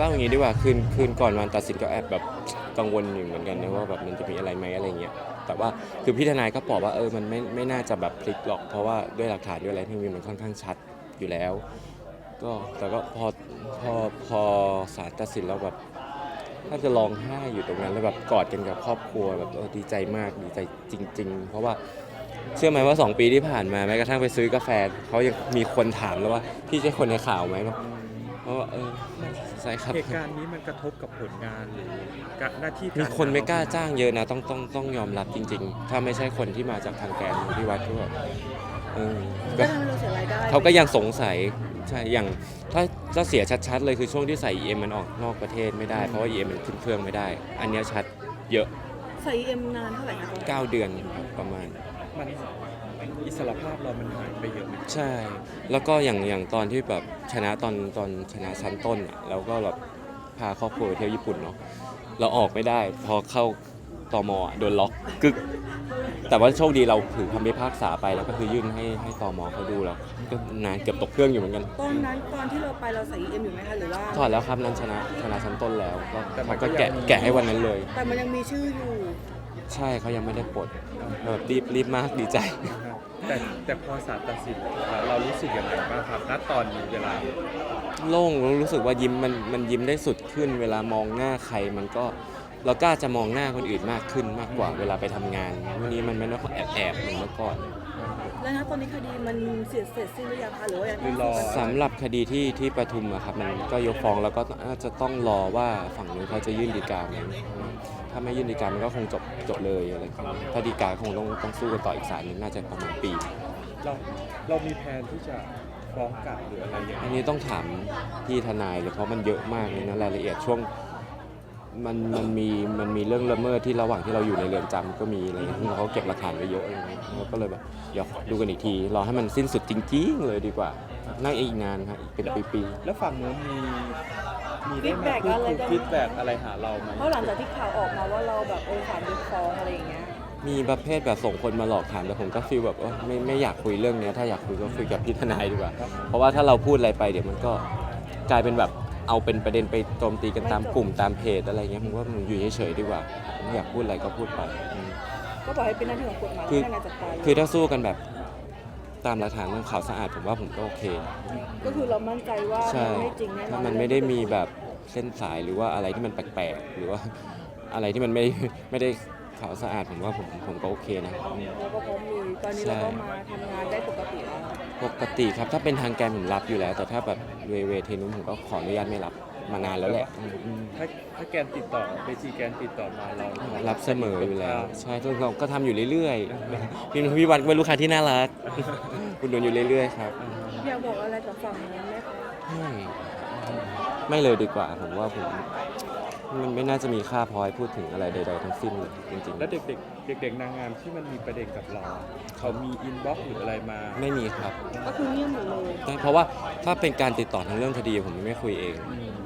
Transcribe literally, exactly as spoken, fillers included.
าอย่างนี้ดีกว่าคืนคืนก่อนวันตัดสินก็แอบแบบกังวลอยู่เหมือนกันนะว่าแบบมันจะมีอะไรไหมอะไรเงี้ยแต่ว่าคือพี่ทนายก็บอกว่าเออมันไม่ไม่น่าจะแบบพลิกหรอกเพราะว่าด้วยหลักฐานด้วยอะไรที่มีมันค่อนข้างชัดอยู่แล้วก็แต่ก็พอพอพอศาลตัดสินแล้วแบบถ้าจะร้องไห้อยู่ตรงนั้นแล้วแบบกอดกันกับครอบครัวแบบเออดีใจมากดีใจจริงๆเพราะว่าเชื่อไหมว่าสองปีที่ผ่านมาแม้กระทั่งไปซื้อกาแฟเขายังมีคนถามแล้วว่าพี่ใช่คนในข่าวไหมบอกเพราะว่าเออใช่ครับเหตุการณ์นี้มันกระทบกับผลงานหรือหน้าที่การมีคนไม่กล้าจ้างเยอะนะต้องต้องต้องยอมรับจริงๆถ้าไม่ใช่คนที่มาจากทางแกนที่วัดก็แบบเออก็ก็ทำให้เราเสียรายได้เขาก็ยังสงสัยใช่อย่างถ้าถ้าเสียชัดๆเลยคือช่วงที่ใส่ อี เอ็ม มันออกนอกประเทศไม่ได้เพราะว่า อี เอ็ม มันขึ้นเครื่องไม่ได้ อันเนี้ยชัดเยอะใส่เอ็มนานเท่าไหร่คะเก้าเดือนประมาณมันอิสรภาพเรามันหายไปเยอะไหมใช่ แล้วก็อย่างอย่างตอนที่แบบชนะตอนตอนชนะชั้นต้นอ่ะแล้วก็แบบพาครอบครัวไปเที่ยวญี่ปุ่นเนาะเราออกไม่ได้พอเข้าตมอ่ะโดนล็อกกึกแต่ว่าโชคดีเราถือคำพิพากษาไปแล้วก็คือยื่นให้ให้ตมเขาดูแล้วก็นานเกือบตกเครื่องอยู่เหมือนกันตอนนั้นตอนที่เราไปเราใส่เอ็มอยู่ไหมคะหรือว่าถอดแล้วครับนั้นชนะชนะชั้นต้นแล้วก็เขาก็แกะแกะให้วันนั้นเลยแต่มันยังมีชื่ออยู่ใช่เขายังไม่ได้ปลดแบบรีบรีบมากดีใจแต่แต่พอศาลตัดสินแล้วเรารู้สึกยังไงบ้างครับณตอนนี้เวลาโล่งรู้สึกว่ายิ้มมันมันยิ้มได้สุดขึ้น เวลามองหน้าใครมันก็เรากล้าจะมองหน้าคนอื่นมากขึ้นมากกว่าเวลาไปทำงานวันนี้มันไม่ต้องแอบแอบเหมือนเมื่อก่อนแล้วนะตอนนี้คดีมันเสร็จเสร็จสิ้นหรือยังคะหรือว่ายังหรือรอสำหรับคดีที่ที่ปทุมอะครับมันก็ยกฟ้องแล้วก็น่าจะต้องรอว่าฝั่งนู้นเขาจะยื่นฎีกาไหมถ้าไม่ยื่นฎีกามันก็คงจบจบเลยอะไรอย่างเงี้ยถ้าฎีกาคงต้องต้องสู้กันต่ออีกศาลหนึงน่าจะประมาณปีเราเรามีแผนที่จะฟ้องกลับหรืออะไรอย่างอันเงี้ยนี้ต้องถามพี่ทนายเลยเพราะมันเยอะมากเลยนะรายละเอียดช่วงมันมันมีมันมีเรื่องละเมิดที่ระหว่างที่เราอยู่ในเรือนจำก็มีอะไรอย่างเงี้ยเขาเก็บหลักฐานไว้เยอะอะไรเงี้ยเราก็เลยแบบเดี๋ยวดูกันอีกทีรอให้มันสิ้นสุดจริงๆเลยดีกว่า นั่งอีกนานครับอีกเป็นปีแล้วฝั่งนู้นมีมีได้มาพูดคุยฟีดแบ็กอะไรหาเราไหมเพราะหลังจากที่ข่าวออกมาว่าเราแบบเออสารยกฟ้องอะไรอย่างเงี้ยๆมีประเภทแบบส่งคนมาหลอกถามแต่ผมก็ฟีลแบบเออไม่ไม่อยากคุยเรื่องเนี้ยถ้าอยากคุยก็คุยกับพี่ทนายดีกว่า เพราะว่าถ้าเราพูดอะไรไปเดี๋ยวมันก็กลายเป็นแบบเอาเป็นประเด็นไปโจมตีกันตามกลุ่มตามเพจอะไรเงี้ยผมว่ามันอยู่เฉยๆดีกว่าไม่อยากพูดอะไรก็พูดไปอืมก็บอกให้เป็นหน้าที่ของกฎหมายคือให้นายจัดการคือถ้าสู้กันแบบตามหลักฐานเรื่องข่าวสะอาดผมว่าผมก็โอเคก็คือเรามั่นใจว่าใช่มันไม่จริงแน่นอนถ้ามันไม่ได้มีแบบเส้นสายหรือว่าอะไรที่มันแปลกๆ หรือว่าอะไรที่มันไม่ไม่ได้ข่าวสะอาดผมว่าผมผมก็โอเคนะเราก็พร้อมลุยตอนนี้ใช่เราก็มาทำงานได้ปกติแล้วปกติครับถ้าเป็นทางแกนผมรับอยู่แล้ว แต่ถ้าแบบเวเวเทนุมผมก็ขออนุญาตไม่รับมานานแล้วแหละอืมอืมถ้าถ้าแกนติดต่อเบจีแกนติดต่อมาเรารับเสมออยู่แล้ว ใช่ทุกเราก็ทำอยู่เรื่อยๆพี่พี่วันเป็นลูกค้าที่น่ารักคุณดูอยู่เรื่อยๆครับอยากบอกอะไรกับฝั่งนี้ไหมคะไม่ไม่เลยดีกว่าผมว่าผมมันไม่น่าจะมีค่าพอให้พูดถึงอะไรใดๆทั้งสิ้นเลยจริงแล้วเด็กๆเด็กๆนางงามที่มันมีประเด็นกับเรา เขามีอินบ็อกซ์หรืออะไรมาๆ ไม่มีครับก็คือเงียบหมดเลยเพราะว่าถ้าเป็นการติดต่อทางเรื่องคดีผมไม่คุยเองอืม